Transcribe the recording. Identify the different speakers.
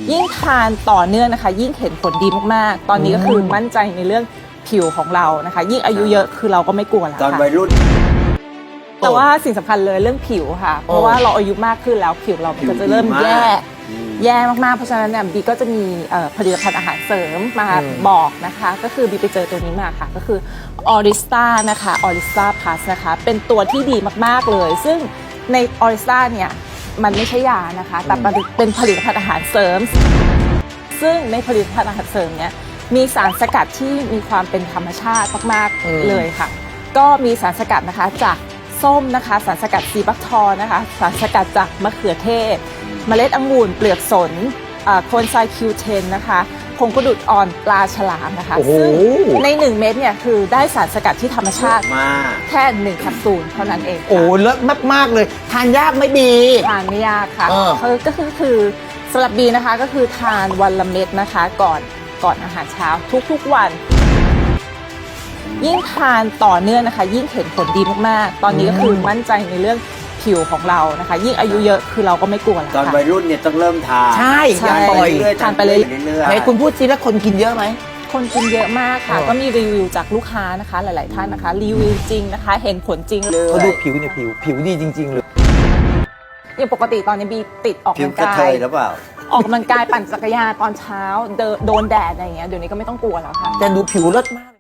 Speaker 1: ยิ่งทานต่อเนื่องนะคะยิ่งเห็นผลดีมากๆตอนนี้ก็คือมั่นใจในเรื่องผิวของเรานะคะยิ่งอายุเยอะคือเราก็ไม่กลัวแล้ว
Speaker 2: ตอน
Speaker 1: ค่ะ
Speaker 2: วัยรุ่น
Speaker 1: แต่ว่าสิ่งสำคัญเลยเรื่องผิวค่ะเพราะว่าเราอายุมากขึ้นแล้วผิวเราก็จะเริ่มแย่มากๆเพราะฉะนั้นเนี่ยบีก็จะมีผลิตภัณฑ์อาหารเสริมมาบอกนะคะก็คือบีไปเจอตัวนี้มาค่ะก็คือออริสตานะคะออริสตาพลัสนะคะเป็นตัวที่ดีมากๆเลยซึ่งในออริสตาเนี่ยมันไม่ใช่ยานะคะแต่เป็นผลิตภัณฑ์อาหารเสริมซึ่งในผลิตภัณฑ์อาหารเสริมเนี่ยมีสารสกัดที่มีความเป็นธรรมชาติมากๆเลยค่ะก็มีสารสกัดนะคะจากส้มนะคะสารสกัดซีบักทอนะคะสารสกัดจากมะเขือเทศเมล็ดองุ่นเปลือกสนโคนไซคิวเทนนะคะผงกระดูดอ่อนปลาฉลามนะคะซึ่งใน1เม็ดเนี่ยคือได้สารสกัดที่ธรรมชาติแค่1แคปซูลเท่านั้นเอง
Speaker 3: โอ้เลิศมากๆเลยทานยากไหมบี
Speaker 1: ทานไม่ยากค่ะคือสำหรับบีนะคะก็คือทานวันละเม็ดนะคะก่อนอาหารเช้าทุกๆวันยิ่งทานต่อเนื่องนะคะยิ่งเห็นผลดีมากๆตอนนี้ก็คือมั่นใจในเรื่องผิวของเรานะคะยิ่งอายุเยอะคือเราก็ไม่กลัวแล้ว
Speaker 2: ตอน
Speaker 1: ค่ะ
Speaker 2: วัยรุ่นเนี่ยต้องเริ่มทาน
Speaker 3: ใช่อย่า
Speaker 1: ใช่
Speaker 3: ปล่อย
Speaker 1: ทานไปเรื่อย
Speaker 3: ไหนคุณพูดซิแล้วคนกินเยอะไหม
Speaker 1: คนกินเยอะมากค่ะก็มีรีวิวจากลูกค้านะคะหลายๆท่านนะคะรีวิวจริงนะคะเห็นผลจริงเลย
Speaker 3: เขาดูผิวเนี่ยผิวดีจริงๆเลย
Speaker 1: อย่างปกติตอนนี้บีติดออก
Speaker 2: ผิว
Speaker 1: กำลัง
Speaker 2: กระ
Speaker 1: กา
Speaker 2: เท
Speaker 1: ย
Speaker 2: ยหรือเปล่า
Speaker 1: ออกกำลังกายปั่นจักรยานตอนเช้าโดนแดดอะไรอย่างเงี้ยเดี๋ยวนี้ก็ไม่ต้องกลัวแล้วค่ะ
Speaker 3: แต่ดูผิวเลิศมาก